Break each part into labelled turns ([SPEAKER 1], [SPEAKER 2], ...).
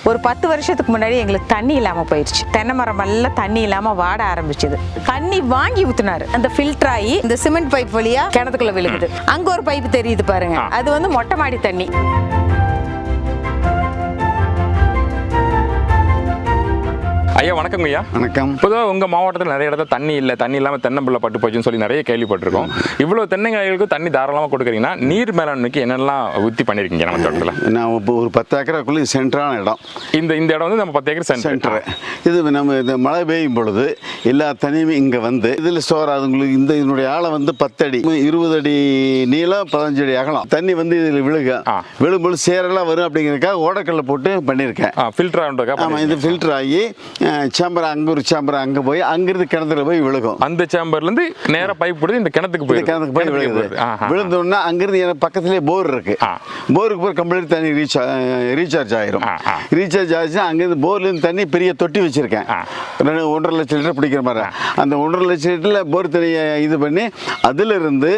[SPEAKER 1] ஒரு 10 வருஷத்துக்கு முன்னாடி எங்களுக்கு தண்ணி இல்லாம போயிடுச்சு. தென்னை மரம் எல்லாம் தண்ணி இல்லாம வாட ஆரம்பிச்சது. தண்ணி வாங்கி ஊத்துனாரு. அந்த ஃபில்டர் ஆகி இந்த சிமெண்ட் பைப் வழியா கிணத்துக்குள்ள விழுகுது. அங்க ஒரு பைப் தெரியுது பாருங்க, அது வந்து மொட்டை மாடி தண்ணி.
[SPEAKER 2] ஐயா வணக்கம் ஐயா.
[SPEAKER 3] வணக்கம்.
[SPEAKER 2] பொதுவாக உங்கள் மாவட்டத்தில் நிறைய இடத்துல தண்ணி இல்லை, தண்ணி இல்லாமல் தென்னம்பிள்ளை பட்டு போச்சுன்னு சொல்லி நிறைய கேள்விப்பட்டிருக்கோம். இவ்வளோ தென்னைங்களுக்கு தண்ணி தாராளமாக கொடுக்குறீங்கன்னா நீர் மேலாண்மைக்கு என்னெல்லாம் உத்தி பண்ணியிருக்கீங்க நம்ம தோட்டத்தில்?
[SPEAKER 3] நான் இப்போ ஒரு 10 ஏக்கராக்குள்ளே சென்டரான இடம்.
[SPEAKER 2] இந்த இடம் வந்து நம்ம 10 ஏக்கர்
[SPEAKER 3] சென்டரு. இது நம்ம இந்த மழை பெய்யும் பொழுது எல்லா தண்ணியுமே இங்கே வந்து இதில் ஸ்டோர் ஆகுது. இதனுடைய ஆழம் வந்து 10 அடி, 20 அடி நீளம், 15 அடி அகலம். தண்ணி வந்து இதில் விழும்பொழுது சேரெல்லாம் வரும் அப்படிங்கிறதுக்காக ஓடக்கல்ல போட்டு பண்ணியிருக்கேன்.
[SPEAKER 2] ஃபில்டர் ஆகுறதுக்காக.
[SPEAKER 3] ஆமாம், இது ஃபில்டர் ஆகி சேம்பர் அங்கே ஒரு சேம்பர் அங்கே போய் அங்கிருந்து கிணத்துல போய் விழுகும்.
[SPEAKER 2] அந்த சேம்பர்லேருந்து நேராக பைப் போடுது இந்த கிணத்துக்கு போய்
[SPEAKER 3] விழுகுது. விழுந்தோன்னா அங்கிருந்து எனக்கு பக்கத்துலேயே போர் இருக்கு. போருக்கு போய் கம்ப்ளீட் தண்ணி ரீசார்ஜ் ஆயிரும். ரீசார்ஜ் ஆச்சுன்னா அங்கேருந்து போர்லேருந்து தண்ணி பெரிய தொட்டி வச்சிருக்கேன். 1.5 லட்சம் லிட்டர் பிடிக்கிற மாதிரி. அந்த 1.5 லட்சம் லிட்டரில் போர் தண்ணியை இது பண்ணி அதிலிருந்து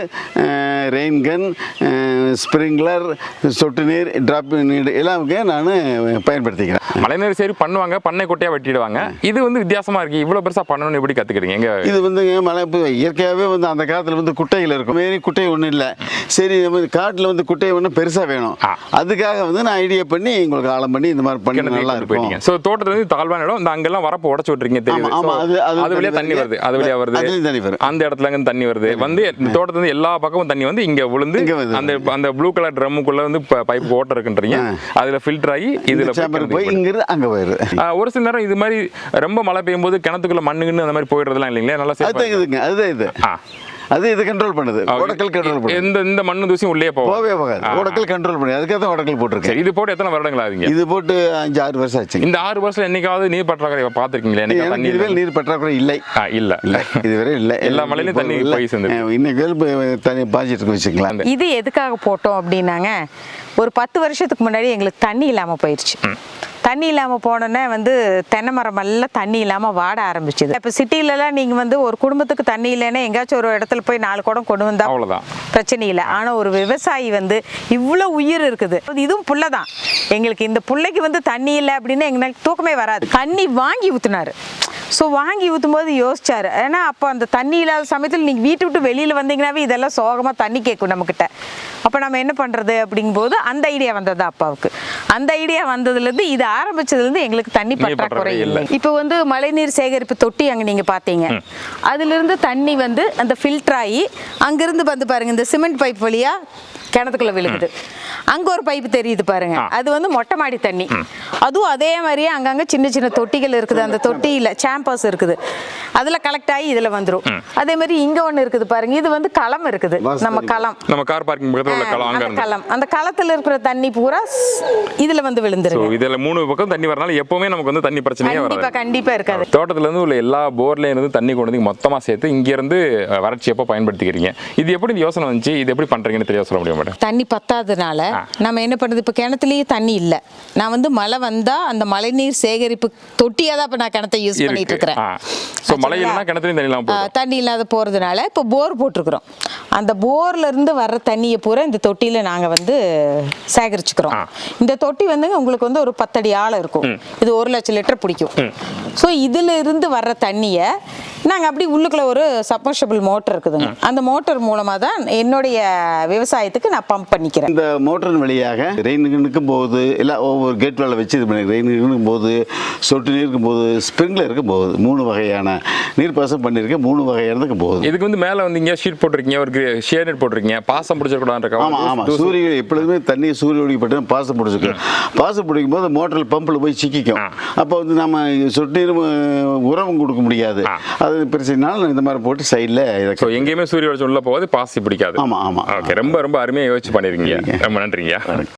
[SPEAKER 3] ரெயின் கன், ஸ்ப்ரிங்க்லர், சொட்டு நீர், டிராப் நீர் எல்லாமே நான் பயன்படுத்திக்கிறேன்.
[SPEAKER 2] மழைநீர் சரி பண்ணுவாங்க, பண்ணை கொட்டையாக வெட்டிடுவாங்க. இது வந்து வித்தியாசமா இருக்கு. இவ்வளவு பெருசா பண்ணணும்னு எப்படி கத்துக்கிறீங்க? இது வந்து
[SPEAKER 3] மழை இயற்கையாகவே வந்து அந்த காலத்துல வந்து குட்டைகள் இருக்கும். மாரி குட்டை ஒன்றும் இல்லை. சரி, காட்டில் வந்து குட்டை ஒன்று பெருசா வேணும். அதுக்காக வந்து நான் ஐடியா பண்ணி உங்களுக்கு ஆழம் பண்ணி இந்த மாதிரி பண்ணி நல்லா இருக்கும்.
[SPEAKER 2] ஸோ தோட்டத்துல வந்து தாழ்வான இடம், இந்த அங்கெல்லாம் வரப்பு உடச்சு விட்டுறீங்க தெரியும். அது வழியா தண்ணி வருது, அது வழியா வருது, தண்ணி வருது. அந்த இடத்துல இருந்து தண்ணி வருது வந்து இந்த தோட்டத்துல இருந்து எல்லா பக்கமும் தண்ணி வந்து இங்க விழுந்து அந்த ப்ளூ கலர் ட்ரம்முக்குள்ள வந்து பைப் ஓட்ட இருக்குன்றீங்க. அதுல ஃபில்டர் ஆகி இதுல
[SPEAKER 3] போய் இங்கிருந்து அங்க போயிடுது.
[SPEAKER 2] ஒரு சில நேரம் இது மாதிரி ரொம்ப மழை பெய்யும் போது கிணத்துக்குள்ள மண்ணுன்னு அந்த மாதிரி போயிடுறதுலாம் இல்லைங்களா? நல்லா
[SPEAKER 3] அதுதான் இது. அது இது கண்ட்ரோல் பண்ணுது. ஓடக்கல் கண்ட்ரோல் பண்ணுது.
[SPEAKER 2] இந்த மண்ணு தூசி உள்ளே போகவே
[SPEAKER 3] போகாது. ஓடக்கல் கண்ட்ரோல் பண்ணி அதுக்காக தான் ஓடக்கல் போட்டுருக்கேன்.
[SPEAKER 2] இது போட்டு எத்தனை வருடங்கள் ஆகுங்க?
[SPEAKER 3] இது போட்டு 5-6 வருஷம் ஆச்சு.
[SPEAKER 2] இந்த 6 வருஷம் என்னைக்காவது நீர் பற்றாக்குறை பார்த்துருக்கீங்களா?
[SPEAKER 3] இதுவரை நீர் பற்றாக்குறை இல்லை.
[SPEAKER 2] இல்ல
[SPEAKER 3] இதுவரை இல்லை.
[SPEAKER 2] எல்லா மழையிலும் தண்ணி போய் சேர்ந்து
[SPEAKER 3] இன்னைக்கு தண்ணி பாய்ச்சிட்டு இருக்கு வச்சுக்கலாம்.
[SPEAKER 1] இது எதுக்காக போட்டோம் அப்படின்னாங்க, ஒரு 10 வருஷத்துக்கு முன்னாடி எங்களுக்கு தண்ணி இல்லாம போயிடுச்சு. தண்ணி இல்லாமல் போனோன்னே வந்து தென்னை மரம் எல்லாம் தண்ணி இல்லாமல் வாட ஆரம்பிச்சுது. இப்போ சிட்டிலலாம் நீங்கள் வந்து ஒரு குடும்பத்துக்கு தண்ணி இல்லைன்னா எங்கேயாச்சும் ஒரு இடத்துல போய் 4 குடம் கொண்டு வந்தா
[SPEAKER 2] அவ்வளோதான்,
[SPEAKER 1] பிரச்சனை இல்லை. ஆனால் ஒரு விவசாயி வந்து இவ்வளோ உயிர் இருக்குது, இதுவும் புல்லை தான். எங்களுக்கு இந்த புள்ளைக்கு வந்து தண்ணி இல்லை அப்படின்னு எங்களுக்கு தூக்கமே வராது. தண்ணி வாங்கி ஊற்றுனாரு. ஸோ வாங்கி ஊற்றும் போது யோசிச்சார். ஏன்னா அப்போ அந்த தண்ணி இல்லாத சமயத்தில் நீங்கள் வீட்டு விட்டு வெளியில் வந்தீங்கன்னாவே இதெல்லாம் சோகமாக தண்ணி கேட்கும் நம்மக்கிட்ட. அப்போ நம்ம என்ன பண்ணுறது அப்படிங்கும்போது அந்த ஐடியா வந்தது அப்பாவுக்கு. அந்த ஐடியா வந்ததுலேருந்து இது ஆரம்பிச்சதுலேருந்து எங்களுக்கு தண்ணி பற்றாக்குறை இல்லை. இப்போ வந்து மழைநீர் சேகரிப்பு தொட்டி அங்கே நீங்கள் பார்த்தீங்க, அதுலேருந்து தண்ணி வந்து அந்த ஃபில்டர் ஆகி அங்கேருந்து வந்து பாருங்கள் இந்த சிமெண்ட் பைப் வழியாக கிணத்துக்குள்ள விழுகுது. அங்க ஒரு பைப் தெரியுது பாருங்க, அது வந்து மொட்டை மாடி தண்ணி. அதுவும் அதே மாதிரியே அங்கங்க சின்ன சின்ன தொட்டிகள் இருக்குது. அந்த தொட்டியில சாம்பர்ஸ் இருக்குது, அதுல கலெக்ட் ஆகி இதுல வந்துரும். அதே மாதிரி இங்க ஒண்ணு இருக்குது பாருங்க, இது வந்து களம் இருக்குது. நம்ம
[SPEAKER 2] கார் பார்க்கிங் பக்கத்துல உள்ள
[SPEAKER 1] களம், அந்த களத்துல இருக்கிற தண்ணி பூரா இதுல வந்து விழுந்துரும்.
[SPEAKER 2] இதுல 3 பக்கம் தண்ணி வரனால எப்பவுமே நமக்கு வந்து தண்ணி பிரச்சனையே வராது.
[SPEAKER 1] கண்டிப்பா இருக்காது.
[SPEAKER 2] தோட்டத்துல இருந்து உள்ள எல்லா போர்ல இருந்து தண்ணி கொண்டு வந்து மொத்தமா சேர்த்து இங்க இருந்து வறட்சி எப்ப பயன்படுத்திக்கிறீங்க? இது எப்படி யோசனை வந்துச்சு? இது எப்படி பண்றீங்கன்னு தெரிய சொல்ல முடியும்?
[SPEAKER 1] தண்ணி பத்தாததுனால நம்ம என்ன பண்றது, இப்போ கிணத்துலயே தண்ணி இல்லை. நான் வந்து மழை வந்தா அந்த மழைநீர் சேகரிப்பு தொட்டியா தான் இப்போ நான் கிணத்தை யூஸ் பண்ணிட்டு இருக்கிறேன். தண்ணி இல்லாத போறதுனால இப்போ போர் போட்டிருக்கிறோம். அந்த போர்ல இருந்து வர்ற தண்ணியை பூரா இந்த தொட்டியில நாங்க வந்து சேகரிச்சுக்கிறோம். இந்த தொட்டி வந்து உங்களுக்கு வந்து ஒரு 10 அடி ஆழம் இருக்கும். இது 1 லட்சம் லிட்டர் பிடிக்கும். ஸோ இதுல இருந்து வர்ற தண்ணியை நாங்க அப்படி உள்ளுக்குள்ள ஒரு சப்மர்ஷபிள் மோட்டர் இருக்குதுங்க. அந்த மோட்டர் மூலமா தான் என்னுடைய விவசாயத்துக்கு நான் பம்ப் பண்ணிக்கிறேன்.
[SPEAKER 3] இந்த மோட்டரின் வழியாக ரெயினுக்கும் போகுது, எல்லாம் ஒவ்வொரு கேட் வேலை வச்சு இது பண்ணி ரெயினுக்கும் போகுது, சொட்டு நீருக்கும் போகுது, ஸ்ப்ரிங்க்லருக்கும் போகுது. 3 வகையான நீர்ப்பாசனம் பண்ணியிருக்கேன். 3 வகையானதுக்கு போகுது.
[SPEAKER 2] இதுக்கு வந்து மேலே வந்து இங்கே ஷீட் போட்டிருக்கீங்க, ஒரு ஷேர் நெட் போட்டிருக்கீங்க. பாசம் பிடிச்சிருக்கூடாது.
[SPEAKER 3] ஆமாம், சூரிய எப்பொழுதுமே தண்ணி சூரிய ஒளிப்பட்டு பாசம் பிடிச்சிக்கும். பாசம் பிடிக்கும் போது மோட்டரில் பம்பில் போய் சிக்கிக்கும். அப்போ வந்து நம்ம சொட்டு நீரும் உரமும் கொடுக்க முடியாது. அது பிரச்சனைனால இந்த மாதிரி போட்டு சைடில்
[SPEAKER 2] எங்கேயுமே சூரிய வெளிச்சம் உள்ள போகாது, பாசி பிடிக்காது.
[SPEAKER 3] ஆமாம்.
[SPEAKER 2] ஓகே, ரொம்ப ரொம்ப அருமையாக யோசிச்சு பண்ணிருக்கீங்க. ரொம்ப நன்றிங்க.